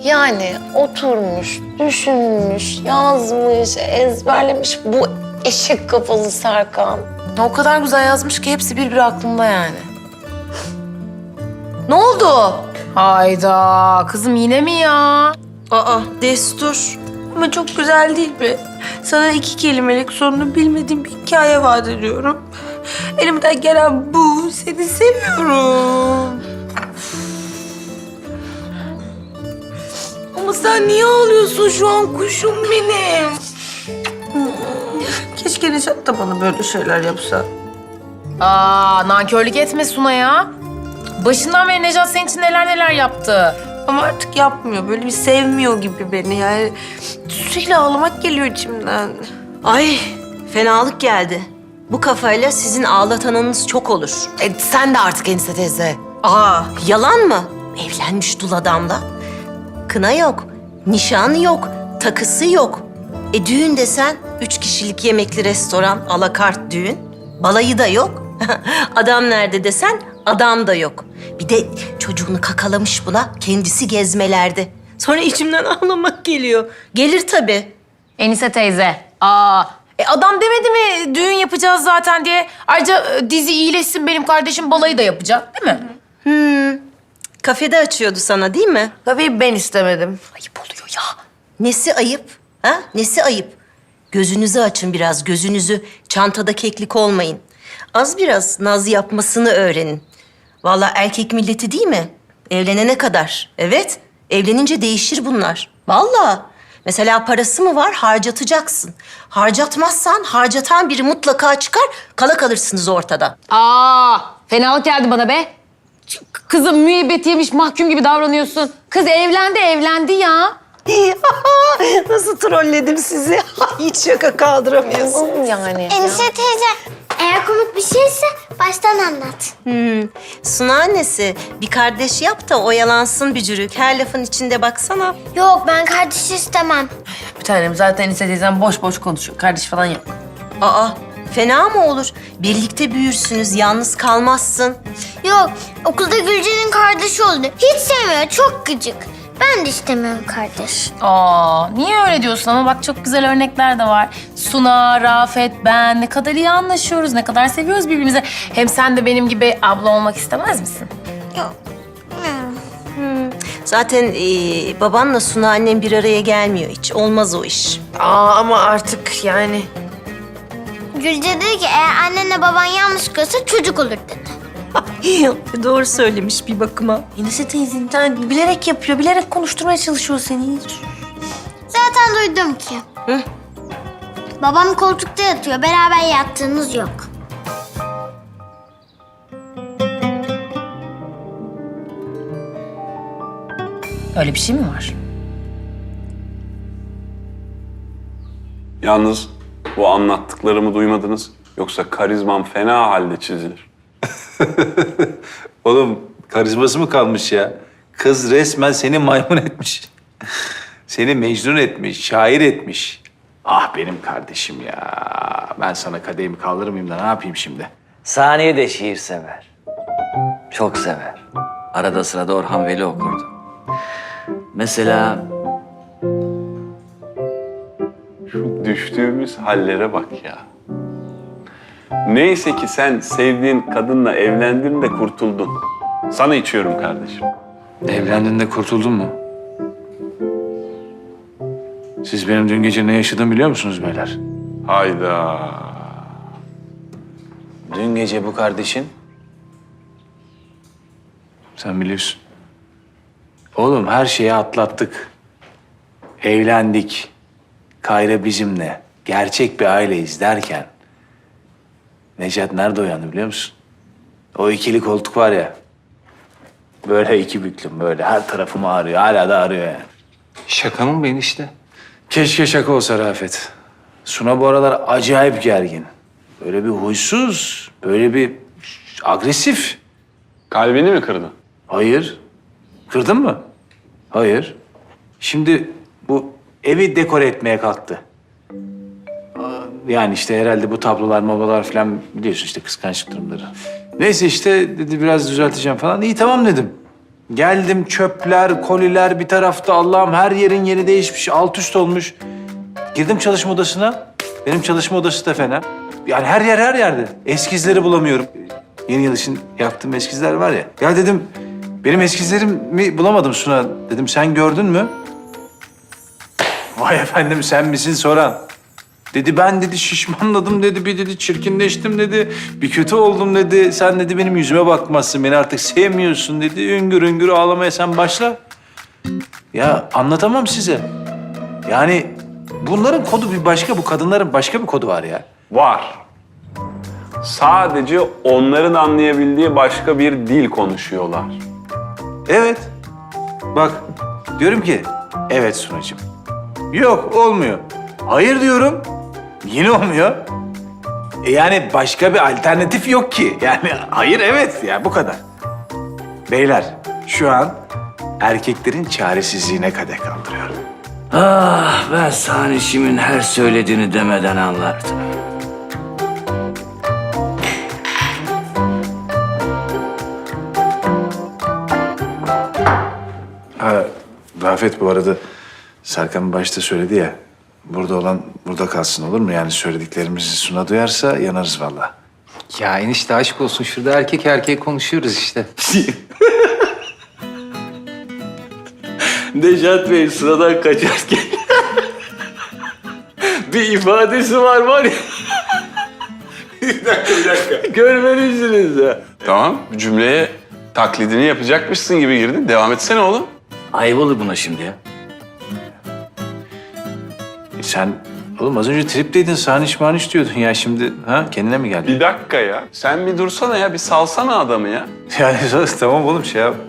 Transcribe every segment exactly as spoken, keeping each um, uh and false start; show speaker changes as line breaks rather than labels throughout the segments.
Yani oturmuş, düşünmüş, yazmış, ezberlemiş bu eşek kafalı Serkan. O kadar güzel yazmış ki hepsi birbiri aklımda yani. Ne oldu? Hayda, kızım yine mi ya?
Aa, destur. Ama çok güzel değil mi? Sana iki kelimelik sonunu bilmediğim bir hikaye vaat ediyorum. Elimden gelen bu. Seni seviyorum. Ama sen niye ağlıyorsun şu an kuşum benim? Keşke Neşat da bana böyle şeyler yapsa.
Aa, nankörlük etme Suna ya. Başından beri Necat senin için neler neler yaptı.
Ama artık yapmıyor. Böyle bir sevmiyor gibi beni yani. Sürekli ağlamak geliyor içimden.
Ay, fenalık geldi. Bu kafayla sizin ağlatanınız çok olur.
E, sen de artık Enise teyze.
Aa, yalan mı? Evlenmiş dul adamla. Kına yok, nişanı yok, takısı yok. E düğün desen üç kişilik yemekli restoran, alakart düğün. Balayı da yok. Adam nerede desen adam da yok. Bir de çocuğunu kakalamış buna, kendisi gezmelerde. Sonra içimden ağlamak geliyor. Gelir tabii.
Enise teyze. Aa, e adam demedi mi düğün yapacağız zaten diye. Ayrıca e, dizi iyileşsin benim kardeşim balayı da yapacak değil mi?
Hmm, kafede açıyordu sana değil mi?
Tabii ben istemedim.
Ayıp oluyor ya. Nesi ayıp? Ha? Nesi ayıp? Gözünüzü açın biraz, gözünüzü. Çantada keklik olmayın. Az biraz naz yapmasını öğrenin. Vallahi erkek milleti değil mi? Evlenene kadar. Evet, evlenince değişir bunlar. Vallahi. Mesela parası mı var, harcatacaksın. Harcatmazsan harcatan biri mutlaka çıkar, kala kalırsınız ortada.
Aa, fenalık geldi bana be. Ç- Kızım müebbet yemiş mahkum gibi davranıyorsun. Kız evlendi, evlendi ya.
Nasıl trolledim sizi? Hiç şaka kaldıramıyorsun.
Yani.
Enişte teyze, eğer komik bir şeyse baştan anlat.
Hmm. Suna annesi, bir kardeş yap da oyalansın bücürük. Her lafın içinde baksana.
Yok, ben kardeş istemem.
Bir tanem zaten Enise teyzem boş boş konuşuyor. Kardeş falan yok.
Aa, fena mı olur? Birlikte büyürsünüz, yalnız kalmazsın.
Yok, okulda Gülce'nin kardeşi oldu. Hiç sevmiyor, çok gıcık. Ben de istemiyorum kardeş.
Aa, niye öyle diyorsun ama bak çok güzel örnekler de var. Suna, Rafet, ben ne kadar iyi anlaşıyoruz, ne kadar seviyoruz birbirimizi. Hem sen de benim gibi abla olmak istemez misin?
Yok.
Zaten ee, babanla Suna annem bir araya gelmiyor hiç. Olmaz o iş.
Aa ama artık yani.
Gülce dedi ki eğer annenle baban yalnız kalırsa çocuk olur dedi.
Doğru söylemiş bir bakıma.
Enise teyzen bilerek yapıyor, bilerek konuşturmaya çalışıyor seni.
Zaten duydum ki.
Hı?
Babam koltukta yatıyor, beraber yattığımız yok.
Öyle bir şey mi var?
Yalnız bu anlattıklarımı duymadınız. Yoksa karizmam fena halde çizilir.
Oğlum karizması mı kalmış ya? Kız resmen seni maymun etmiş. Seni mecnun etmiş, şair etmiş. Ah benim kardeşim ya. Ben sana kadehimi kaldırır mıyım da ne yapayım şimdi?
Saniye de şiir sever. Çok sever. Arada sırada Orhan Veli okurdu. Mesela
Şu düştüğümüz hallere bak ya. Neyse ki sen sevdiğin kadınla evlendin de kurtuldun. Sana içiyorum kardeşim.
Evlendin de kurtuldun mu? Siz benim dün gece ne yaşadığımı biliyor musunuz beyler?
Hayda.
Dün gece bu kardeşin... Sen biliyorsun. Oğlum her şeyi atlattık. Evlendik. Kayra bizimle. Gerçek bir aileyiz derken... Necat nerede uyandı biliyor musun? O ikili koltuk var ya. Böyle iki büklüm böyle. Her tarafım ağrıyor. Hala da ağrıyor yani.
Şaka mı ben işte?
Keşke şaka olsa Rafet. Suna bu aralar acayip gergin. Böyle bir huysuz, böyle bir agresif.
Kalbini mi kırdın?
Hayır. Kırdın mı? Hayır. Şimdi bu evi dekore etmeye kalktı. Aa, Yani işte herhalde bu tablolar, mobalar falan biliyorsun işte kıskançlık durumları. Neyse işte dedi biraz düzelteceğim falan. İyi tamam dedim. Geldim çöpler, koliler bir tarafta. Allah'ım her yerin yeri değişmiş, alt üst olmuş. Girdim çalışma odasına. Benim çalışma odası da fena. Yani her yer her yerde. Eskizleri bulamıyorum. Yeni yıl için yaptığım eskizler var ya. Ya dedim, benim eskizlerimi bulamadım Suna. Dedim, sen gördün mü? Vay efendim, sen misin soran? Dedi, ben dedi şişmanladım dedi, bir dedi çirkinleştim dedi. Bir kötü oldum dedi. Sen dedi benim yüzüme bakmazsın, beni artık sevmiyorsun dedi. Üngür üngür ağlamaya sen başla. Ya anlatamam size. Yani bunların kodu bir başka, bu kadınların başka bir kodu var ya.
Var. Sadece onların anlayabildiği başka bir dil konuşuyorlar.
Evet. Bak diyorum ki evet Sunacığım. Yok olmuyor. Hayır diyorum. Yine olmuyor. E yani başka bir alternatif yok ki. Yani hayır evet ya bu kadar. Beyler şu an erkeklerin çaresizliğine kadeh kaldırıyorum.
Ah, ben Sanişim'in her söylediğini demeden anlardım.
Ha, Rafet bu arada Serkan başta söyledi ya. Burada olan burada kalsın olur mu? Yani söylediklerimizi Suna duyarsa yanarız vallahi.
Ya enişte aşk olsun. Şurada erkek erkeğe konuşuyoruz işte.
Nejat Bey sıradan kaçarken bir ifadesi var var ya.
Bir dakika, bir dakika.
Görmelisiniz ya.
Tamam, cümleye taklidini yapacakmışsın gibi girdin. Devam etsene oğlum.
Ayıp olur buna şimdi ya.
E sen oğlum az önce tripteydin, saniş maniş diyordun ya şimdi ha kendine mi geldin?
Bir dakika ya. Sen bir dursana ya, bir salsana adamı ya.
Yani tamam oğlum şey yap.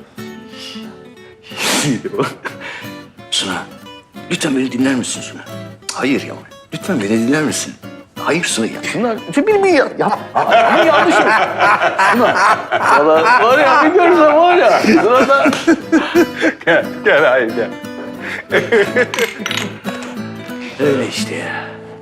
Suna, lütfen beni dinler misin Suna? Hayır ya. Lütfen beni dinler misin? Hayır Suna ya. Suna, lütfen beni yap. Yap. Ama yanlış oldu. Suna, valla var ya bir görsen var ya. Suna da...
Gel, gel hayır gel.
Öyle işte ya.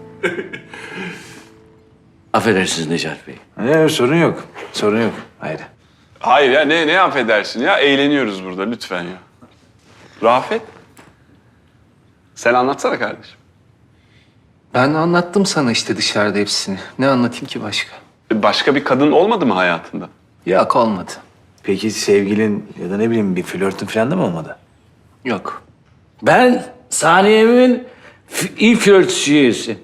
Affedersiniz Necat Bey.
Ne sorun yok. Sorun yok. Hayır.
Hayır ya, ne, ne affedersin ya? Eğleniyoruz burada lütfen ya. Rafet, sen anlatsana kardeşim.
Ben anlattım sana işte dışarıda hepsini. Ne anlatayım ki başka?
Başka bir kadın olmadı mı hayatında?
Yok olmadı.
Peki sevgilin ya da ne bileyim bir flörtün falan da mı olmadı?
Yok.
Ben Saniye'min f- ilk flörtüsü üyesi.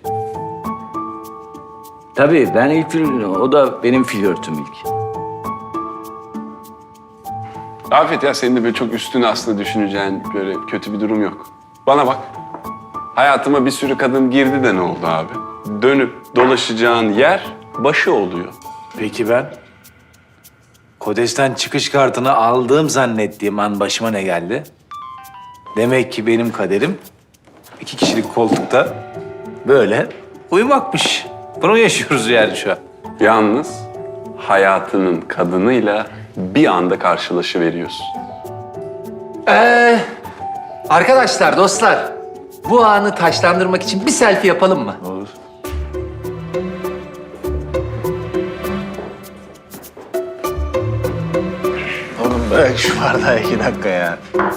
Tabii ben ilk flörtüm, o da benim flörtüm ilk.
Rafet ya, senin de böyle çok üstüne aslında düşüneceğin böyle kötü bir durum yok. Bana bak. Hayatıma bir sürü kadın girdi de ne oldu abi? Dönüp dolaşacağın yer başı oluyor.
Peki ben? Kodes'ten çıkış kartını aldığım zannettiğim an başıma ne geldi? Demek ki benim kaderim iki kişilik koltukta böyle uyumakmış. Bunu yaşıyoruz yani şu an.
Yalnız hayatının kadınıyla bir anda karşılaşıveriyorsun.
Ee, arkadaşlar, dostlar. Bu anı taşlandırmak için bir selfie yapalım mı?
Olur. Oğlum bırak şu bardağı iki dakika ya.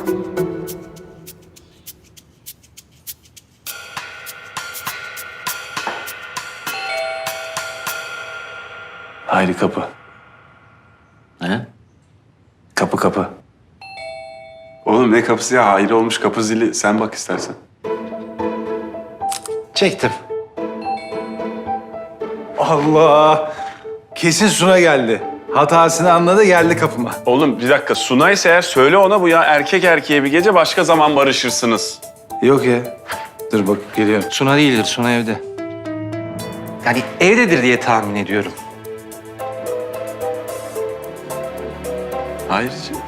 Haydi kapı.
He?
Kapı kapı.
Oğlum ne kapısı ya? Hayır olmuş kapı zili. Sen bak istersen.
Çektim. Allah! Kesin Suna geldi. Hatasını anladı, geldi kapıma.
Oğlum bir dakika. Sunay'sa eğer söyle ona bu ya. Erkek erkeğe bir gece başka zaman barışırsınız.
Yok ya. Dur bak geliyor.
Suna değildir, Suna evde. Yani evdedir diye tahmin ediyorum.
Hayırcığım.